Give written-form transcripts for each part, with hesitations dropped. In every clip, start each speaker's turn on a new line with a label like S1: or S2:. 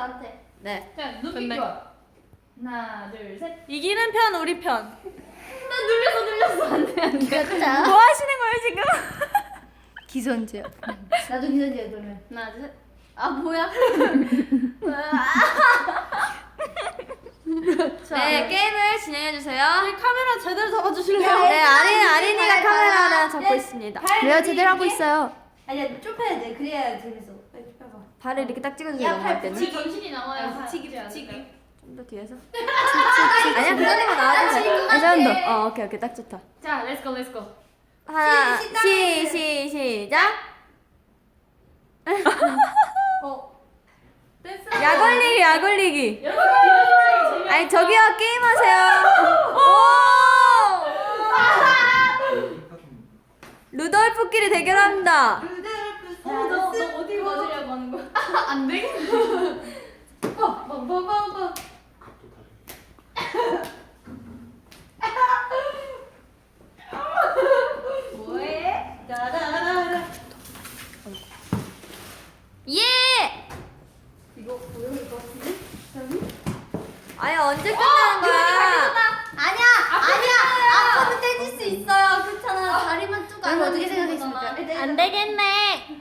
S1: 나한테.
S2: 네.
S3: 자, 눈빛 교환. 하나, 둘, 셋.
S2: 이기는 편 우리 편.
S3: 나 눌렸어. 안 돼.
S1: 이겼다.
S2: 뭐 하시는 거예요 지금?
S1: 기선제요. 나도 기선제요 그러면.
S3: 하나, 둘, 셋.
S1: 아 뭐야?
S2: 네 게임을 진행해 주세요.
S3: 카메라 제대로 잡아주실래요?
S2: 네 아린이가
S1: 발,
S2: 카메라를
S1: 발,
S2: 잡고
S1: 발.
S2: 있습니다.
S1: 내가 제대로 하고 있어요. 아니야 좁혀야 돼. 그래야 재밌어. 빨리 좁혀봐.
S2: 발을 이렇게 딱 찍어주세요.
S1: 야,
S2: 넘어갈
S1: 발
S2: 때는.
S3: 지금 정신이 나와요.
S1: 붙이기.
S2: 좀 더 뒤에서. 아니야 그 정도만 나와도 돼. 이 정도. 오케이 딱 좋다.
S3: 자, 렛츠고.
S2: 하나
S1: 시작.
S2: 시작.
S3: 됐어.
S2: 약 올리기.
S3: 여러분, 이런 재미.
S2: 아니 저기요 게임하세요. 오! 루돌프끼리 대결합니다.
S3: 너 어디 맞으려고 하는 거야? 안 되겠네. 뭐해? 나라라라.
S2: 예!
S3: 이거 보여줄 것 같은데?
S2: 아니 언제 끝나는 거야?
S1: 아니야. 앞으로 떼질 수 있어요. 그렇잖아. 다리만 쭉 안. 어떻게 생각했습니까?
S2: 안 되겠네.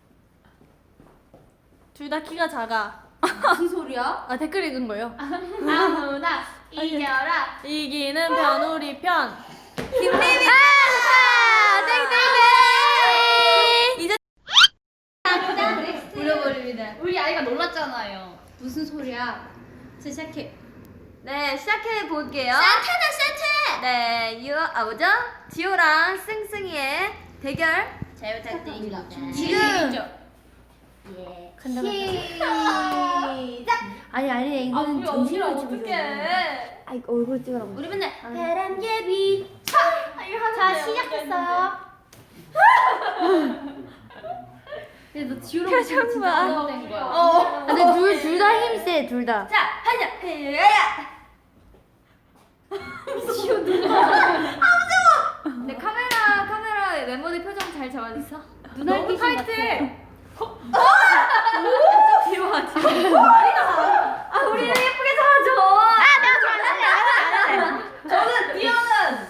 S2: 둘 다 키가 작아.
S1: 무슨 소리야?
S2: 아 댓글 읽은 거예요.
S3: 아무나 이겨라.
S2: 이기는 편 우리 편.
S1: 김대미.
S2: 땡땡땡. 이제
S1: 울어버립니다.
S3: 우리 아이가 놀랐잖아요.
S1: 무슨 소리야? 자 시작해.
S2: 네 시작해 볼게요.
S1: 산타다 산타.
S2: 네 뭐죠? 지호랑 승승이의 대결.
S1: 잘 부탁드립니다.
S2: 지금.
S1: 예.
S2: 간다.
S1: 시작. 아니 이거는 정신을 지고
S3: 어떡해.
S2: 아 이거 얼굴 찍으라고.
S1: 우리 맨날 바람개비. 자 시작했어요. 근데 너 지우랑
S2: 표정 봐.
S3: 된 거야.
S1: 근데 둘 다 힘이 세, 둘 다. 자, 하자. 야야. 지우
S2: 네 카메라 멤버들 표정 잘 잡아주세요.
S1: 눈알 귀신 같아.
S2: 뒤로 와 뒤로. 아 우리는 예쁘게 잡아줘.
S3: 저는 디오는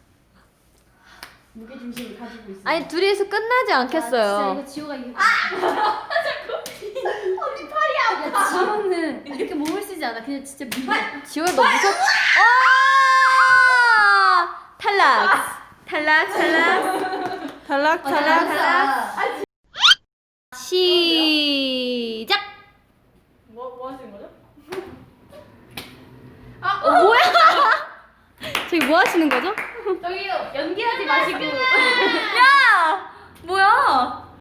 S3: 무게 중심을 가지고 있어.
S2: 아니 둘이서 끝나지 않겠어요.
S1: 이거 지우가 이게. 언니 팔이 아파. 지우는 이렇게 몸을 쓰지 않아. 그냥 진짜 밀어.
S2: 지호야 너 무섭. 탈락. 시작.
S3: 뭐 하시는 거죠?
S2: 뭐야? 저기 뭐 하시는 거죠?
S3: 저기요 연기하지 마시고